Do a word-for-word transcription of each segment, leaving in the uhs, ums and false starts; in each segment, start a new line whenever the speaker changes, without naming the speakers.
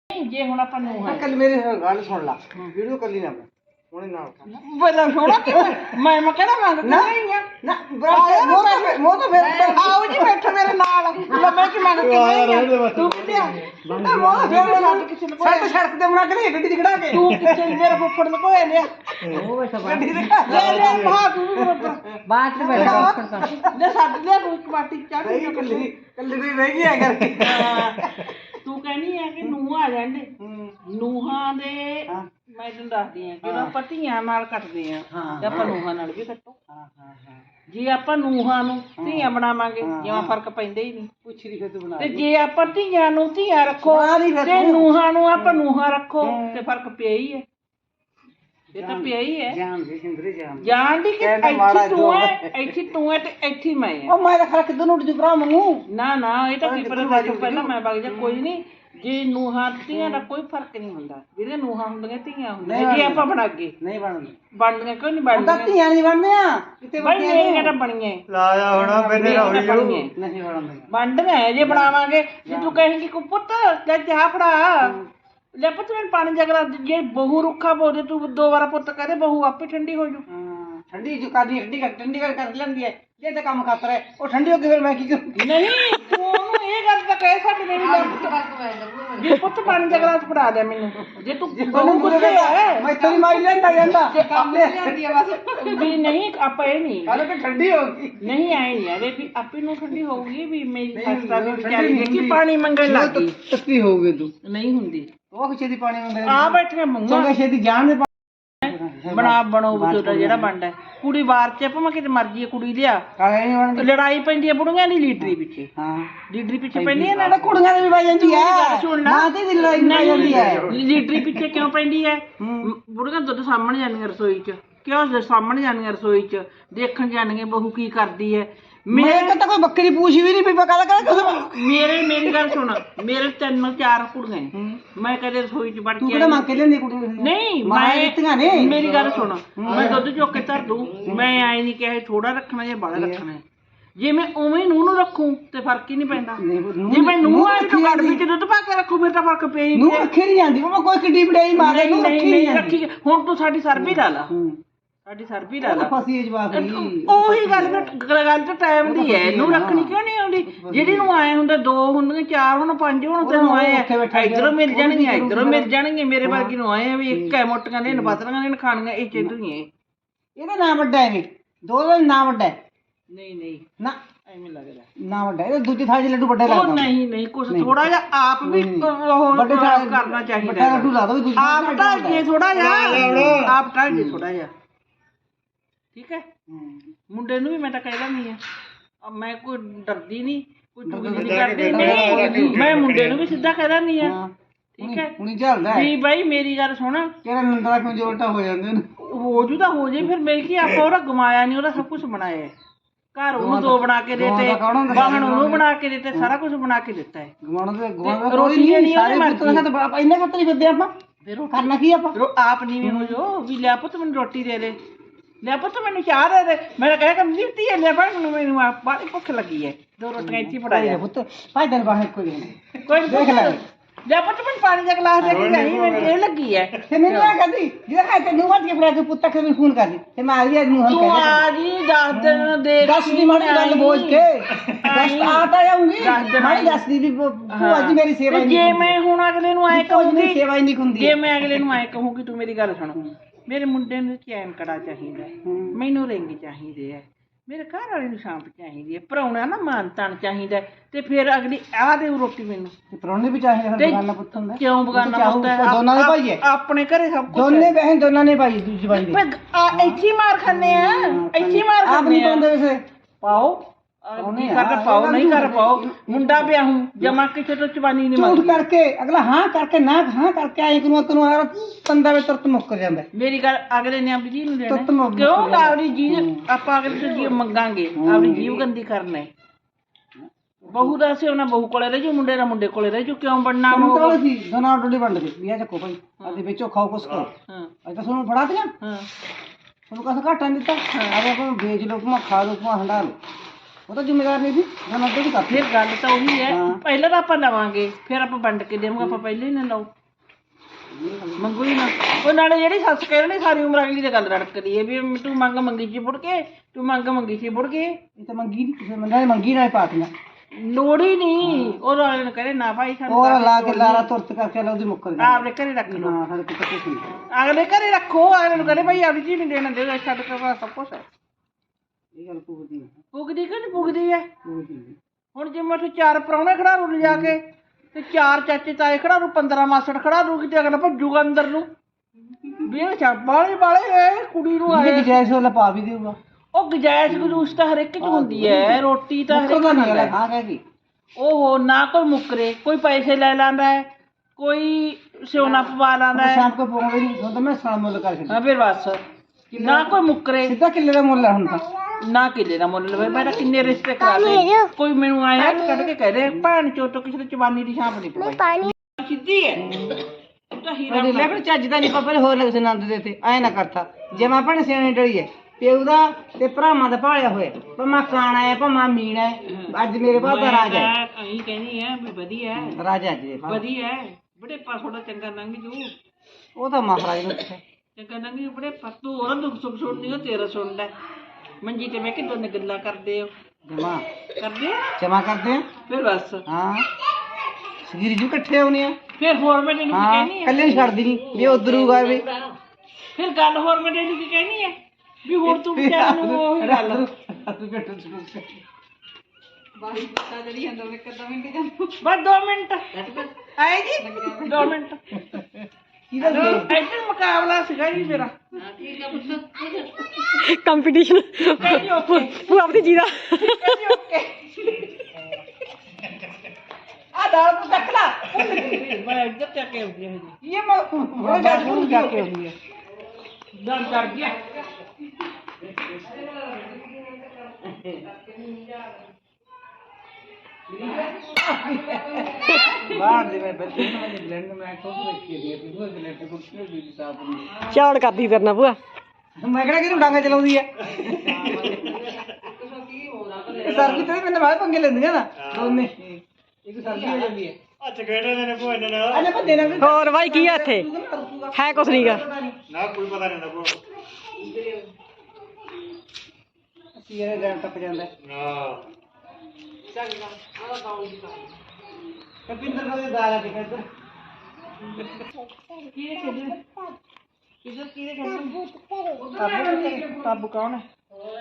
ਜੇ ਹੁਣ ਆਪਾਂ ਨੂੰ ਹੈ
ਕੱਲ ਮੇਰੇ ਗੱਲ ਸੁਣ ਲਾ ਵੀਡੀਓ ਕੱਲੀ ਨਾ ਹੁਣੇ ਨਾਲ
ਬੜਾ ਸੋਹਣਾ ਮੈਂ ਮੈਂ ਕਿਹੜਾ ਮੰਗ ਨਹੀਂ ਆ
ਨਾ ਮੋ ਤਾਂ ਮੋ ਤਾਂ ਮੇਰੇ
ਆਓ ਜੀ ਬੈਠੋ ਮੇਰੇ ਨਾਲ ਮੈਂ ਕੀ ਮੰਗ ਕੇ ਨਹੀਂ ਆ ਤੂੰ ਕਿੱਥੇ
ਨਾ ਮੋ ਫੇਰ
ਸਾਡੇ ਕਿਸੇ ਨੂੰ
ਸੜਕ ਸੜਕ ਤੇ ਬਣਾ ਕੇ ਨਹੀਂ ਗੱਡੀ ਚ ਖੜਾ ਕੇ
ਤੂੰ ਕਿੱਥੇ ਮੇਰਾ ਫੁੱਫੜ ਨੂੰ ਕੋਏ ਲਿਆ
ਉਹ ਵੇ ਸਭ
ਗੱਡੀ ਦੇ ਲੈ ਲੈ ਮਾ ਤੂੰ
ਬਾਅਦ ਚ ਬੈਠਾ
ਲੈ ਸਾਡੇ ਲੈ ਤੂੰ ਇੱਕ ਬਾਟੀ ਚੜ
ਰਹੀ ਕੱਲੀ ਕੱਲੀ ਵੀ ਰਹਿ ਗਈ ਆ ਕਰਕੇ
ਤੂੰ ਕਹਿੰਦੀ ਆ ਕਿ ਨੂੰਹਾਂ ਆ ਜਾਂਦੇ ਨੂੰਹਾਂ ਦੇ ਮੈਂ ਤੈਨੂੰ ਦੱਸਦੀ ਆ ਜਦੋਂ ਆਪਾਂ ਧੀਆਂ ਨਾਲ ਕੱਟਦੇ ਆ ਤੇ ਆਪਾਂ ਨੂੰਹਾਂ ਨਾਲ ਵੀ ਕੱਟੋ ਜੇ ਆਪਾਂ ਨੂੰਹਾਂ ਨੂੰ ਧੀਆਂ ਬਣਾਵਾਂਗੇ ਜਿਵੇਂ ਫਰਕ ਪੈਂਦਾ ਹੀ ਨਹੀਂ
ਪੁੱਛ ਰਹੀ ਤੂੰ ਬਣਾ
ਤੇ ਜੇ ਆਪਾਂ ਧੀਆਂ ਨੂੰ ਧੀਆਂ ਰੱਖੋ ਤੇ ਨੂੰਹਾਂ ਨੂੰ ਆਪਾਂ ਨੂੰਹਾਂ ਰੱਖੋ ਤੇ ਫਰਕ ਪਿਆ ਹੀ ਹੈ ਇਹ ਤਾਂ ਪਿਆ ਹੀ ਹੈ
ਜਾਨ ਦੇ ਸਿੰਦਰੇ ਜਾਨ
ਜਾਣ ਦੀ ਕਿ ਇੱਥੇ ਤੂੰ ਹੈ ਇੱਥੇ ਤੂੰ ਹੈ ਤੇ ਇੱਥੇ ਮੈਂ ਆ
ਉਹ ਮੈਂ ਤਾਂ ਖੜਾ ਕਿਦੋਂ ਉੱਡ ਜੂ ਭਰਾ ਮੰਗੂ
ਨਾ ਨਾ ਇਹ ਤਾਂ ਕੀ ਪਤਾ ਪਹਿਲਾਂ ਮੈਂ ਵਗ ਜਾ ਕੋਈ ਨਹੀਂ ਜੇ ਨੂੰਹਾਂ ਧੀਆਂ ਦਾ ਕੋਈ ਫਰਕ ਨਹੀਂ ਹੁੰਦਾ ਜਿਹੜੀਆਂ ਨੂੰਹਾਂ ਹੁੰਦੀਆਂ ਧੀਆਂ ਹੁੰਦੀਆਂ ਜੇ ਆਪਾਂ ਬਣਾਗੇ
ਨਹੀਂ ਬਣਦੇ
ਬਣਦੀਆਂ ਕਿਉਂ ਨਹੀਂ ਬਣਦੀਆਂ
ਤਾਂ ਧੀਆਂ ਨਹੀਂ ਬਣਦੀਆਂ ਕਿਤੇ
ਬਈ ਮੇਰੀਆਂ ਤਾਂ ਬਣੀਆਂ
ਲਾਇਆ ਹੋਣਾ ਮੈਨੇ ਰੌਲੀ ਜੂ
ਨਹੀਂ ਬਣਦੇ
ਬਣਦੀਆਂ ਜੇ ਬਣਾਵਾਂਗੇ ਜੇ ਤੂੰ ਕਹੇਂਗੀ ਕੋ ਪੁੱਤ ਲੈ ਚਾਹ ਫੜਾ ਲੈ ਪੁੱਤ ਮੈਨੂੰ ਪਾਣੀ ਜਗਲਾ ਜੇ ਬਹੂ ਰੁੱਖਾ ਬੋਲੇ ਤੂੰ ਦੋ ਵਾਰ ਪੁੱਤ ਕਹਦੇ ਬਹੂ ਆਪੇ ਠੰਡੀ ਹੋ ਜੂ
ਠੰਡੀ ਜੋ ਕਰਦੀ ਠੰਡੀ ਕਰ ਠੰਡੀ ਕਰ ਕਰ ਲੈਂਦੀ ਹੈ ਜੇ ਤੇ ਕੰਮ ਖਾਤਰ ਹੈ ਉਹ ਠੰਡੀ ਹੋ ਕੇ ਫਿਰ ਮੈਂ ਕੀ ਕਰੂੰ
ਨਹੀਂ ਤੂੰ ਉਹਨੂੰ ਇਹ ਗੱਲ ਤਾਂ ਕਹਿ ਸਕਦੀ ਨਹੀਂ ਲੈ ਜੇ ਪੁੱਤ ਪਾਣੀ ਜਗਲਾ ਫੜਾ ਦੇ ਮੈਨੂੰ ਜੇ ਤੂੰ ਬਹੂ ਗੁੱਸੇ ਹੈ
ਮੈਂ ਇੱਥੇ ਹੀ ਮਾਰੀ ਲੈਂਦਾ ਜਾਂਦਾ ਕੰਮ ਲੈ
ਜਾਂਦੀ ਹੈ ਬਸ ਵੀ ਨਹੀਂ ਆਪਾਂ ਇਹ ਨਹੀਂ
ਹਾਲੇ ਤਾਂ ਠੰਡੀ ਹੋ ਗਈ
ਨਹੀਂ ਆਏ ਨਹੀਂ ਅਰੇ ਵੀ ਆਪੇ ਨੂੰ ਠੰਡੀ ਹੋਊਗੀ ਵੀ ਮੇਰੀ ਸੱਸ ਵੀ ਵਿਚਾਰੀ ਦੇਖੀ ਪਾਣੀ ਮੰਗਣ ਲੱਗ ਗਈ
ਤੱਤੀ ਹੋਊਗੀ ਤੂੰ
ਨਹੀਂ ਹੁੰਦੀ
ਉਹ ਕਿਛੇ ਦੀ ਪਾਣੀ ਮੰਗਦੇ
ਆ ਬੈਠੇ ਮੰਗਾ
ਚੰਗਾ ਛੇਤੀ ਜਾਣ ਦੇ
ਬਣਾ ਬਣੋ ਵਿਚੋਲਾ ਜਿਹੜਾ ਬਣਦਾ ਕੁੜੀ ਬਾਹਰ ਚ ਭਾਵੇਂ ਕਿਤੇ ਮਰਜੀ ਕੁੜੀ ਲਿਆ
ਕਾਲੇ ਨਹੀਂ ਬਣਦੇ
ਲੜਾਈ ਪੈਂਦੀ ਹੈ ਬੁੜੀਆਂ ਦੀ ਲੀਡਰੀ ਪਿੱਛੇ
ਹਾਂ
ਲੀਡਰੀ ਪਿੱਛੇ ਪੈਂਦੀ ਹੈ
ਨਾ
ਨਾ
ਕੁੜੀਆਂ ਦੇ ਵੀ ਪੈ ਜਾਂਦੀ ਹੈ
ਸੁਣ ਲੈ
ਮਾਂ ਦੀ ਲੜਾਈ ਪੈ ਜਾਂਦੀ ਹੈ
ਲੀਡਰੀ ਪਿੱਛੇ ਕਿਉਂ ਪੈਂਦੀ ਹੈ ਬੁੜੀਆਂ ਦੁੱਧ ਸਾਹਮਣੇ ਜਾਂਦੀਆਂ ਰਸੋਈ ਚ ਕਿਉਂ ਸਾਹਮਣੇ ਜਾਂਦੀਆਂ ਰਸੋਈ ਚ ਦੇਖਣ ਜਾਂਦੀਆਂ ਬਹੂ ਕੀ ਕਰਦੀ ਹੈ
ਮੇਰੇ ਤਾਂ ਕੋਈ ਬੱਕਰੀ ਪੂਛ ਵੀ ਨਹੀਂ ਪਈ ਪਕਾ ਲਗਾ
ਮੇਰੇ ਮੇਰੀ ਗੱਲ ਸੁਣ ਮੇਰੇ ਤਿੰਨ ਚਾਰ ਕੁੜੀਆਂ ਮੈਂ ਕਦੇ ਰਸੋਈ ਚ ਵੜ
ਤੂੰ
ਕੇ
ਕਿਹੜਾ ਮੰਗ ਕੇ ਲੈਂਦੀ ਕੁੜੀ
ਨਹੀਂ
ਮੈਂ ਦਿੱਤੀਆਂ ਨੇ
ਮੇਰੀ ਗੱਲ ਸੁਣ ਮੈਂ ਦੁੱਧ ਚੁੱਕ ਕੇ ਧਰ ਦੂੰ ਮੈਂ ਆਏ ਨਹੀਂ ਕਿਹਾ ਥੋੜਾ ਰੱਖਣਾ ਜਾਂ ਬਾਹਲਾ ਰੱਖਣਾ ਜੇ ਮੈਂ ਉਵੇਂ ਨੂੰਹ ਨੂੰ ਰੱਖੂ ਤੇ ਫਰਕ ਹੀ ਨਹੀਂ ਪੈਂਦਾ ਜੇ ਮੈਂ ਨੂੰਹ ਆ ਤਾਂ ਕੱਢ ਵਿੱਚ ਦੁੱਧ ਪਾ ਕੇ ਰੱਖੂ ਫਿਰ ਤਾਂ ਫਰਕ ਪਿਆ ਹੀ
ਨੂੰਹ ਰੱਖੀ ਨਹੀਂ ਜਾਂਦੀ ਉਹ ਕੋਈ ਕਿੱਡੀ ਬੜਾਈ ਮਾਰੇ ਨੂੰ ਰੱਖੀ ਨਹੀਂ
ਰੱਖੀ ਹੁਣ ਤੂੰ ਸਾਡੀ ਸਰਬੀ ਲਾ ਲਾ ਸਾਡੀ ਸਰਬੀ ਲਾ ਲਾ
ਫਸੀ ਜਵਾਬ
ਉਹੀ ਗੱਲ ਗੱਲ ਤਾਂ ਟਾਈਮ ਦੀ ਹੈ ਇਹਨੂੰ ਰੱਖਣੀ ਕਿਉਂ ਨਹੀਂ ਆਉਂਦੀ ਜਿਹੜੀ ਨੂੰ ਆਏ ਹੁੰਦੇ ਦੋ ਹੁੰਦੀਆਂ ਚਾਰ ਹੁਣ ਪੰਜ ਹੁਣ ਤੇ ਹੁਣ ਆਏ ਆ ਇਧਰੋਂ ਮਿਲ ਜਾਣਗੀਆਂ ਇਧਰੋਂ ਮਿਲ ਜਾਣਗੀਆਂ ਮੇਰੇ ਵਰਗੀ ਨੂੰ ਆਏ ਆ ਵੀ ਇੱਕ ਹੈ ਮੋਟੀਆਂ ਨੇ ਬਤਲੀਆਂ ਨੇ ਖਾਣੀਆਂ ਇਹ ਚੇਤਰੀਆਂ
ਇਹਦਾ ਨਾਮ ਵੱਡਾ ਐਵੇਂ ਦੋ ਦਾ ਨਾਮ ਵੱਡਾ
ਨਹੀਂ ਨਹੀਂ
ਨਾ
ਐਵੇਂ ਲੱਗਦਾ
ਨਾ ਵੱਡਾ ਇਹ ਦੂਜੀ ਥਾਲੀ ਲੱਡੂ ਵੱਡੇ ਲੱਗਦਾ
ਨਹੀਂ ਨਹੀਂ ਕੁਛ ਥੋੜਾ ਜਿਹਾ ਆਪ ਵੀ ਉਹ
ਵੱਡੇ
ਕਰਨਾ ਚਾਹੀਦਾ
ਵੱਡਾ ਲੱਡੂ ਲਾ ਦੋ ਦੂਜੀ
ਆਪ ਢਾਲ ਜੇ ਥੋੜਾ ਜਿਹਾ ਆਪ ਢਾਲ ਜੇ ਥੋੜਾ ਜਿਹਾ ਠੀਕ ਹੈ ਮੁੰਡੇ ਨੂੰ ਵੀ ਮੈਂ ਤਾਂ ਕਹਿਦਾ ਨਹੀਂ ਆ ਮੈਂ ਕੋਈ ਡਰਦੀ ਨਹੀਂ ਕੋਈ ਚੁਗਲੀ ਨਹੀਂ ਕਰਦੀ ਨਹੀਂ ਮੈਂ ਮੁੰਡੇ ਨੂੰ ਵੀ ਸਿੱਧਾ ਕਹਿਦਾ ਨਹੀਂ ਆ ਠੀਕ ਹੈ
ਹੁਣੀ ਚੱਲਦਾ
ਵੀ ਬਾਈ ਮੇਰੀ ਗੱਲ ਸੁਣ
ਕਿਹੜਾ ਨੰਦਰਾ ਕਮਜ਼ੋਰਤਾ ਹੋ ਜਾਂਦੇ ਨੇ
ਹੋ ਜੂ ਤਾਂ ਹੋ ਜੇ ਫਿਰ ਮੈਂ ਕੀ ਆਪਾਂ ਉਹਦਾ ਗਮਾਇਆ ਨਹੀਂ ਉਹਦਾ ਸਭ ਕੁਝ ਬਣਾਇਆ ਘਰ ਉਹਨੂੰ ਦੋ ਬਣਾ ਕੇ ਦਿੱਤੇ ਬਾਹਣ ਉਹਨੂੰ ਬਣਾ ਕੇ ਦਿੱਤੇ ਸਾਰਾ ਕੁਝ ਬਣਾ ਕੇ ਦਿੱਤਾ ਹੈ
ਗਵਾਉਣਾ ਤੇ ਗਵਾਉਣਾ ਰੋਟੀ ਨਹੀਂ ਸਾਰੇ ਪੁੱਤਾਂ ਦਾ ਤਾਂ ਇੰਨੇ ਖਤਰ ਹੀ ਫਿਰਦੇ ਆਪਾਂ ਫਿਰ ਕਰਨਾ ਕੀ ਆਪਾਂ
ਆਪ ਨੀਵੇਂ ਹੋ ਜੋ ਵੀ ਲਿਆ ਪੁੱਤ ਮੈਨੂੰ ਰੋਟੀ ਦੇ ਦੇ ਲਿਆ ਪੁੱਤ ਮੈਨੂੰ ਚਾਹ ਦੇ ਦੇ ਮੈਂ ਕਹਿਆ ਕਿ ਮਿੱਟੀ ਹੈ ਲਿਆ ਭਾਈ ਮੈਨੂੰ ਮੈਨੂੰ ਬੜੀ ਭੁੱਖ ਲੱਗੀ ਹੈ ਦੋ ਰੋਟੀਆਂ ਇੱਥੇ ਫੜਾ ਜਾ
ਪੁੱਤ ਭਾਈ ਦਿਨ ਬਾਹਰ ਕੋਈ ਨਹੀਂ
ਕੋਈ ਦੇਖ ਲੈ ਲਿਆ ਪੁੱਤ ਮੈਨੂੰ ਪਾਣੀ ਦਾ ਗਲਾਸ ਦੇ ਕੇ ਜਾਈ ਮੈਨੂੰ ਇਹ ਲੱਗੀ ਹੈ
ਤੇ ਮੈਨੂੰ ਆ ਕਹਦੀ ਜੇ ਹੈ ਤੇ ਨੂੰ ਵੱਜ ਕੇ ਫੜਾ ਕੇ ਪੁੱਤ ਕੇ ਮੈਨੂੰ ਫੋਨ ਕਰਦੀ ਤੇ ਮੈਂ ਆ ਗਈ ਨੂੰ ਹਮ
ਤੂੰ ਆ ਜੀ ਦਸ ਦਿਨ ਦੇ
ਦਸ ਦੀ ਮਾੜੀ ਗੱਲ ਬੋਝ ਕੇ ਦਸ ਆ ਤਾਂ ਜਾਊਂਗੀ ਮਾੜੀ ਦਸ ਦੀ ਵੀ ਭੂਆ ਜੀ ਮੇਰੀ ਸੇਵਾ ਨਹੀਂ
ਜੇ ਮੈਂ ਹੁਣ ਅਗਲੇ ਨੂੰ ਆਏ ਕਹੂੰਗੀ
ਸੇਵਾ ਹੀ ਨਹੀਂ ਹੁੰਦੀ
ਜੇ ਮੈਂ ਅਗਲੇ ਨੂੰ ਆਏ ਕਹੂੰਗੀ ਤੂੰ ਮੇਰੀ ਗੱਲ ਸੁਣ ਮੇਰੇ ਮੁੰਡੇ ਨੂੰ ਚੈਨ ਕੜਾ ਚਾਹੀਦਾ ਮੈਨੂੰ ਰਿੰਗ ਚਾਹੀਦੇ ਆ ਮੇਰੇ ਘਰ ਵਾਲੇ ਨੂੰ ਸ਼ਾਂਪ ਚਾਹੀਦੀ ਹੈ ਪ੍ਰਾਹੁਣਾ ਨਾ ਮਾਨ ਤਾਨ ਚਾਹੀਦਾ ਤੇ ਫਿਰ ਅਗਲੀ ਆਹ ਦੇ ਰੋਟੀ ਮੈਨੂੰ
ਪ੍ਰਾਹੁਣੇ ਵੀ ਚਾਹੀਦਾ ਬਗਾਨਾ ਪੁੱਤ ਹੁੰਦਾ
ਕਿਉਂ ਬਗਾਨਾ ਪੁੱਤ ਹੈ
ਦੋਨਾਂ ਦੇ ਭਾਈ ਹੈ
ਆਪਣੇ ਘਰੇ ਸਭ ਕੁਝ
ਦੋਨੇ ਬਹਿਨ ਦੋਨਾਂ ਨੇ ਭਾਈ ਦੂਜੀ ਭਾਈ ਦੇ
ਇੱਥੇ ਮਾਰ ਖਾਂਦੇ ਆ ਇੱਥੇ ਮਾਰ
ਆਪ ਨਹੀਂ ਪਾਉਂਦੇ ਵੈਸੇ
ਪਾਓ ਨਹੀਂ ਕਰ ਪਾਓ ਨਹੀਂ ਕਰ ਪਾਓ ਮੁੰਡਾ ਵਿਆਹੂ ਜਮਾ ਕਿਸੇ ਤੋਂ ਚਵਾਨੀ ਨਹੀਂ ਮੰਗਦੀ
ਝੂਠ ਕਰਕੇ ਅਗਲਾ ਹਾਂ ਕਰਕੇ ਨਾ ਹਾਂ ਕਰਕੇ ਆਏ ਕਿਨੂੰ ਤੈਨੂੰ ਆ ਪੰਦਾ ਵਿੱਚ ਤੁਰਤ ਮੁੱਕ ਜਾਂਦਾ
ਮੇਰੀ ਗੱਲ ਅਗਲੇ ਨੇ ਆਪਣੀ ਜੀ ਨੂੰ ਦੇਣਾ ਕਿਉਂ ਆਪਣੀ ਜੀ ਆਪਾਂ ਅਗਲੇ ਤੋਂ ਜੀ ਮੰਗਾਂਗੇ ਆਪਣੀ ਜੀਵ ਗੰਦੀ ਕਰਨਾ ਹੈ ਬਹੂ ਦਾ ਸਿਉਣਾ ਬਹੂ ਕੋਲੇ ਰਹਿ ਜੂ ਮੁੰਡੇ ਦਾ ਮੁੰਡੇ ਕੋਲੇ ਰਹਿ ਜੂ ਕਿਉਂ ਬਣਨਾ
ਉਹ ਸੀ ਦੋਨਾਂ ਡੋਡੀ ਵੰਡ ਦੇ ਵਿਆਹ ਚੱਕੋ ਭਾਈ ਆਦੇ ਵਿੱਚੋਂ ਖਾਓ ਕੁਛ ਕਰੋ
ਹਾਂ
ਅੱਜ ਤਾਂ ਤੁਹਾਨੂੰ ਫੜਾ ਦਿਆਂ
ਹਾਂ
ਤੁਹਾਨੂੰ ਕਸ ਘਾਟਾ ਨਹੀਂ ਦਿੱਤਾ ਆਦੇ ਆਪਾਂ ਵੇਚ ਲੋ ਭਾ ਖਾ ਲੋ ਭਾ ਹੰਡਾ ਲੋ ਉਹ ਤਾਂ ਜ਼ਿੰਮੇਵਾਰ ਨਹੀਂ ਸੀ ਨਾ ਨਾ ਤੇ ਕਰ
ਫਿਰ ਗੱਲ ਤਾਂ ਉਹੀ ਹੈ ਪਹਿਲਾਂ ਤਾਂ ਆਪਾਂ ਲਵਾਂਗੇ ਫਿਰ ਆਪਾਂ ਵੰਡ ਕੇ ਦੇਵਾਂਗੇ ਆਪਾਂ ਪਹਿਲੇ ਹੀ ਨਾ ਲਓ ਮੰਗੂ ਹੀ ਨਾ ਉਹ ਨਾਲੇ ਜਿਹੜੀ ਸੱਸ ਕਹਿੰਦੇ ਸਾਰੀ ਉਮਰ ਅਗਲੀ ਦੀ ਗੱਲ ਰੜਕਦੀ ਹੈ ਵੀ ਤੂੰ ਮੰਗ ਮੰਗੀ ਸੀ ਬੁੜ ਕੇ ਤੂੰ ਮੰਗ ਮੰਗੀ ਸੀ ਬੁੜ ਕੇ
ਇਹ ਤਾਂ ਮੰਗੀ ਨਹੀਂ ਕਿਸੇ ਬੰਦੇ ਨੇ ਮੰਗੀ ਨਾਲ ਪਾਤੀਆਂ
ਲੋੜ ਹੀ ਨਹੀਂ ਉਹ ਵਾਲੇ ਨੂੰ ਕਹਿੰਦੇ ਨਾ ਭਾਈ ਸਾਨੂੰ
ਉਹ ਲਾ ਕੇ ਲਾਰਾ ਤੁਰਤ ਕਰਕੇ ਲਾ ਉਹਦੀ ਮੁੱਕਰ ਗਈ
ਆਪਦੇ ਘਰੇ ਰੱਖ ਲਓ
ਹਾਂ ਸਾਡੇ ਕੋਲ ਤਾਂ ਕੁਛ ਨਹੀਂ
ਅਗਲੇ ਘਰੇ ਰੱਖੋ ਅਗਲੇ ਨੂੰ ਕਹਿੰਦੇ ਭਾਈ ਆਪਦੀ ਚੀਜ਼ ਨਹੀਂ ਦੇਣਾ ਦੇ ਛੱਡ ਕੇ ਸਭ ਕੁਛ ਹੈ
ਇਹ ਗੱਲ ਪੁੱਗਦੀ ਹੈ
ਪੁੱਗਦੀ ਕਿ ਨਹੀਂ ਪੁੱਗਦੀ ਹੈ
ਪੁੱਗਦੀ ਹੈ।
ਹੁਣ ਜੇ ਮੈਂ ਉੱਥੇ ਚਾਰ ਪ੍ਰਾਹੁਣੇ ਖੜਾ ਰੂ ਲਿਜਾ ਕੇ ਤੇ ਚਾਰ ਚਾਚੇ ਤਾਏ ਖੜਾ ਰੂ ਪੰਦਰਾਂ ਮਾਸੜ ਖੜਾ ਰੂ ਕਿਤੇ ਅਗਲਾ ਭੱਜੂਗਾ ਅੰਦਰ ਨੂੰ ਵੀ ਇਹ ਚਾ ਬਾਲੇ ਬਾਲੇ ਕੁੜੀ ਨੂੰ
ਇਹ
ਆਏ
ਗੁਜਾਇਸ਼ ਵਾਲਾ ਪਾ ਵੀ ਦੇਊਗਾ
ਉਹ ਗੁਜਾਇਸ਼ ਗਲੂਸ ਤਾਂ ਹਰ ਇੱਕ ਚ ਹੁੰਦੀ ਹੈ ਰੋਟੀ ਤਾਂ ਹਰ ਇੱਕ
ਮੁੱਕਰਦਾ ਨਹੀਂ
ਖਾਂਦਾ
ਅਗਲਾ
ਹੈ।
ਹਾਂ ਕਹਿ ਕੇ
ਉਹ ਨਾ ਕੋਈ ਮੁੱਕਰੇ ਕੋਈ ਪੈਸੇ ਲੈ ਲੈਂਦਾ ਹੈ ਕੋਈ ਸਿਉਣਾ ਪਵਾ ਲੈਂਦਾ ਹੈ
ਸ਼ਾਮ ਕੋ ਪਾਉਂਦੇ ਨਹੀਂ ਹੁਣ ਤਾਂ ਮੈਂ ਸਾਲ ਮੁੱਲ ਕਰ ਛੱਡਿਆ
ਹਾਂ ਫਿਰ ਬਸ ਨਾ ਕੋਈ ਮੁੱਕਰੇ
ਸਿੱਧਾ ਕਿੱਲੇ ਦਾ ਮੁੱਲ ਹੈ ਹੁਣ ਤਾਂ
ਨਾ ਕਿੱਲੇ ਦਾ ਮੁੱਲ ਲਵੇ ਮੈਂ ਤਾਂ ਕਿੰਨੇ ਰਿਸ਼ਤੇ ਕਰਾ ਲਏ ਕੋਈ ਮੈਨੂੰ ਆਇਆ ਕੱਢ ਕੇ ਕਹਿ ਦੇ ਭੈਣ ਚੋਟੋ ਕਿਸੇ ਦੀ ਚਵਾਨੀ ਦੀ ਛਾਪ ਨਹੀਂ ਪਵਾਈ ਸਿੱਧੀ ਹੈ ਤੂੰ ਤਾਂ ਹੀਰਾ
ਲੈ ਫਿਰ ਚੱਜ ਦਾ ਨਹੀਂ ਪਪਰ ਹੋਰ ਕਿਸੇ ਨੰਦ ਦੇ ਤੇ ਐ ਨਾ ਕਰਤਾ ਜੇ ਮੈਂ ਭੈਣ ਸਿਆਣੀ ਡਲੀ ਹੈ ਪਿਓ ਦਾ ਤੇ ਭਰਾਵਾਂ ਦਾ ਭਾਲਿਆ ਹੋਇਆ ਭਾਵੇਂ ਕਾਣਾ ਹੈ ਭਾਵੇਂ ਮੀਣਾ ਹੈ ਅੱਜ ਮੇਰੇ ਬਾਪ ਦਾ ਰਾਜ ਹੈ
ਅਹੀਂ ਕਹਿੰਦੀ ਹੈ ਵੀ ਵਧੀਆ ਹੈ
ਰਾਜਾ ਅੱਜ ਦੇ ਬਾਪ।
ਵਧੀਆ ਹੈ ਬੜੇ ਪਾ ਥੋੜਾ ਚੰਗਾ ਲੰਘ ਜੂ
ਉਹ ਤਾਂ ਮਹਾਰਾਜ ਨੂੰ ਪੁੱਛੇ
ਚੰਗਾ ਲੰਘ ਜੂ ਬੜੇ ਪਾ ਤੂੰ ਹੋਰ ਦੁੱਖ ਸੁੱਖ ਸੁਣਨੀ ਹੋ ਤੇਰਾ ਸੁਣ ਲੈ ਮੰਜੀ ਤੇ ਮੈਂ ਕਿ ਦੋਨੇ ਗੱਲਾਂ ਕਰਦੇ ਹੋ
ਜਮਾ
ਕਰਦੇ ਹੋ?
ਜਮਾ ਕਰਦੇ ਆ
ਫਿਰ ਬਸ
ਹਾਂ ਸਗੀਰ ਜੀ ਇਕੱਠੇ ਹੋਣੇ ਆ
ਫਿਰ ਹੋਰ ਮੈਂ ਤੈਨੂੰ ਕੀ
ਹਾਂ
ਕਹਿਣੀ ਹੈ
ਕੱਲੇ ਨਹੀਂ ਛੱਡਦੀ ਨਹੀਂ ਵੀ ਉਧਰੂ ਗਾ ਵੀ
ਫਿਰ ਗੱਲ ਹੋਰ ਮੈਂ ਤੈਨੂੰ ਕੀ ਕਹਿਣੀ ਹੈ ਵੀ ਹੋਰ ਤੂੰ ਵਿਚਾਰ ਨੂੰ ਉਹੀ ਗੱਲ ਬਸ ਦੋ ਮਿੰਟ ਆਏ ਜੀ ਦੋ ਮਿੰਟ ਇੱਧਰ ਮੁਕਾਬਲਾ ਸੀਗਾ ਜੀ ਮੇਰਾ
ਕੰਪੀਟੀਸ਼ਨ ਉਹ ਆਪਦੀ ਜੀ ਦਾ
ਆ ਦਾਲ ਨੂੰ ਚੱਕ ਲਾ ਮੈਂ ਇੱਧਰ ਚੱਕ ਕੇ ਆਉਂਦੀ ਹਾਂ ਜੀ
ਇਹ ਮੈਂ ਬੜਾ ਜਾਦੂ ਜਾ ਕੇ ਆਉਂਦੀ ਹੈ
ਦਾਲ ਚੜ ਗਿਆ
ਬਾਹਰ ਦੇ ਮੈਂ ਬੱਚੇ ਨੂੰ ਮੈਂ ਬਲੈਂਡ ਮੈਂ ਖੁਦ ਰੱਖੀ ਦੀ ਹੈ ਉਹ ਬਲੈਂਡ ਕੁਛ ਨਹੀਂ ਦੀ ਸਾਫ ਨਹੀਂ
ਚੌੜ ਕਰਦੀ ਕਰਨਾ ਭੂਆ
ਮੈਂ ਕਿਹੜਾ ਕਿਹਨੂੰ ਡਾਂਗਾ ਚਲਾਉਂਦੀ ਹੈ ਇਹ ਸਰ ਕੀ ਤੇ ਮੈਨੂੰ ਬਾਹਰ ਪੰਗੇ ਲੈਂਦੀਆਂ ਨਾ ਦੋਨੇ ਇੱਕ ਸਰਦੀ ਹੋ ਜਾਂਦੀ ਹੈ
ਅੱਜ ਕਿਹੜੇ ਨੇ ਭੋਏ ਨੇ
ਅਜੇ ਬੰਦੇ ਨਾਲ ਵੀ
ਹੋਰ ਬਾਈ ਕੀ ਆ ਇੱਥੇ ਹੈ ਕੁਛ ਨਹੀਂਗਾ
ਨਾ ਕੋਈ ਪਤਾ ਨਹੀਂ ਹੁੰਦਾ ਭੋ
ਅਸੀਂ ਇਹ ਰੈਂਟ ਟੱਪ ਜਾਂਦਾ
ਨਾ
ਕਪਿੰਦਰ ਦਾ ਦਾਲ ਆ ਟਿਕਟ
किधर किधर करते ताबू कौन है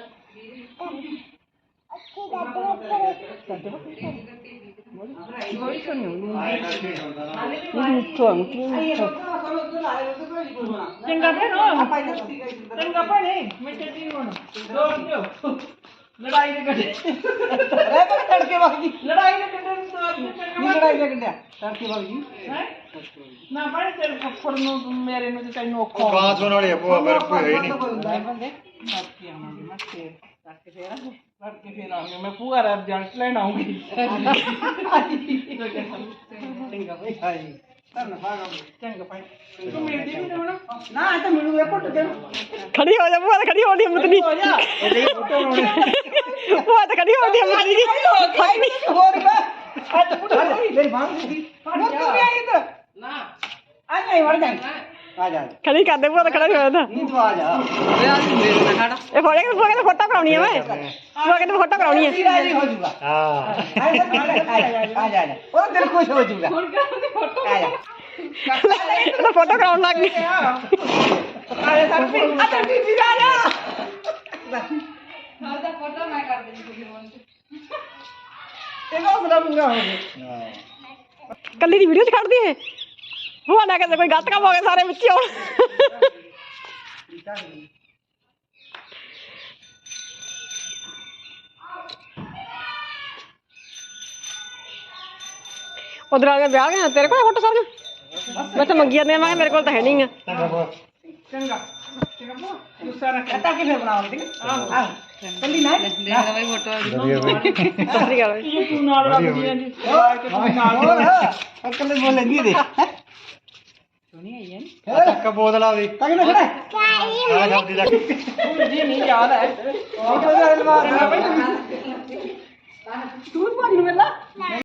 चंगा भैन चंगा भैन मैं चलती हूं दो दो लड़ाई ने कटे
अरे तो तड़के बागी
लड़ाई ने कटे तो
ये लड़ाई ने कटे तड़के बागी
है ना भाई तेरे फफड़ नु मेरे नु ते नु
ਉਹ ਗਾਂ ਸੁਣ ਵਾਲੀ ਆ ਭੋ ਪਰ ਕੋਈ ਹੈ ਨਹੀਂ
ਬੰਦੇ ਬਾਕੀ ਆਵਾਂਗੇ ਮੈਂ ਫੇਰ ਤੜਕੇ ਫੇਰ ਆਵਾਂਗੇ ਤੜਕੇ ਫੇਰ ਆਵਾਂਗੇ ਮੈਂ ਪੂਰਾ ਰਿਜ਼ਲਟ ਲੈਣ ਆਉਂਗੀ
चंगा भाई हाय करना भागा
ਚੰਗਾ ਭਾਈ ਤੂੰ ਮਿਲਦੀ ਵੀ ਨਾ
ना तो मिलू ये कुट दे
ਖੜੀ ਹੋ ਜਾ ਭੂਆ ਤਾਂ ਖੜੀ ਹੋਣ ਦੀ ਹਿੰਮਤ ਨਹੀਂ
ਹੋ ਜਾ ਇਹਦੇ ਫੋਟੋ ਲਾਉਣੀ
ਭੂਆ ਤਾਂ ਖੜੀ ਹੋਣ ਦੀ ਹਿੰਮਤ ਨਹੀਂ
हो रहा आज कुट मेरी मां की वो तू भी आई इधर
ਨਾ
आ नहीं मर जाए आ जा
ਖੜੀ ਕਰਦੇ ਭੂਆ ਤਾਂ ਖੜਾ ਨਹੀਂ ਹੋਇਆ ਤਾਂ
नींद आ जा
ਇਹ ਫੋਟੋ ਕਿ ਭੂਆ ਕਹਿੰਦੇ ਫੋਟੋ ਕਰਾਉਣੀ ਆ ਮੈਂ ਭੂਆ ਕਹਿੰਦੇ ਫੋਟੋ ਕਰਾਉਣੀ ਆ
राजी हो जाऊंगा
ਹਾਂ
आ जा आ जा वो दिल खुश हो जाऊंगा
ਹੁਣ ਕਰਾਂਗੇ ਫੋਟੋ
आ जा
ਇਹ ਤਾਂ ਫੋਟੋ ਕਰਾਉਣ ਲੱਗ ਗਈ
अरे सर आ तो बीबी आ जा
ਉਹਦਾ ਫੋਟੋ ਮੈਂ ਕਰ ਦੇਣੀ ਤੁਸੀਂ ਹੁਣ
ये हौसला पूरा हो गया
ਕੱਲੀ ਦੀ ਵੀਡੀਓ ਚ ਕੱਢਦੀ ਇਹ ਭੂਆ ਨਾ ਕਹਿੰਦੇ ਕੋਈ ਗਲਤ ਕੰਮ ਹੋ ਗਿਆ ਸਾਰੇ ਵਿੱਚ ਹੀ ਆਉਣ ਉਧਰ ਆ ਗਿਆ ਵਿਆਹ ਗਿਆ ਤੇਰੇ ਕੋਲ ਫੋਟੋ ਸਾਰੀਆਂ ਮੈਂ ਤਾਂ ਮੰਗੀ ਜਾਂਦੇ ਆ ਮੈਂ ਕਿਹਾ ਮੇਰੇ ਕੋਲ ਤਾਂ ਹੈ ਨਹੀਂ ਆ
ਚੰਗਾ ਚੰਗਾ ਗੁੱਸਾ ਨਾ ਕਰ
कहता कि फिर बनाओ ठीक है हां जल्दी ना
ਵਧੀਆ ਬਈ
ਸਤਿ ਸ੍ਰੀ ਅਕਾਲ
ਇਹ ਤੂੰ ਨਾਲ ਲੱਗਦੀ ਆਂ ਜੀ ਕਿ ਤੂੰ ਨਾਲ
और अंकल ने बोले नहीं दे
ਸੁਣੀ ਆਈ ਹੈ
ਚੱਕ ਬੋਤਲਾਂ ਦੀ
ताकि ना खड़ा
ਆ ਜਾਂਦੀ ਲੱਗ
ਜੀ ਨਹੀਂ ਯਾਦ ਹੈ
और तो अलमार
ਤੂੰ ਭਾਜੀ ਨੂੰ ਮਿਲਣਾ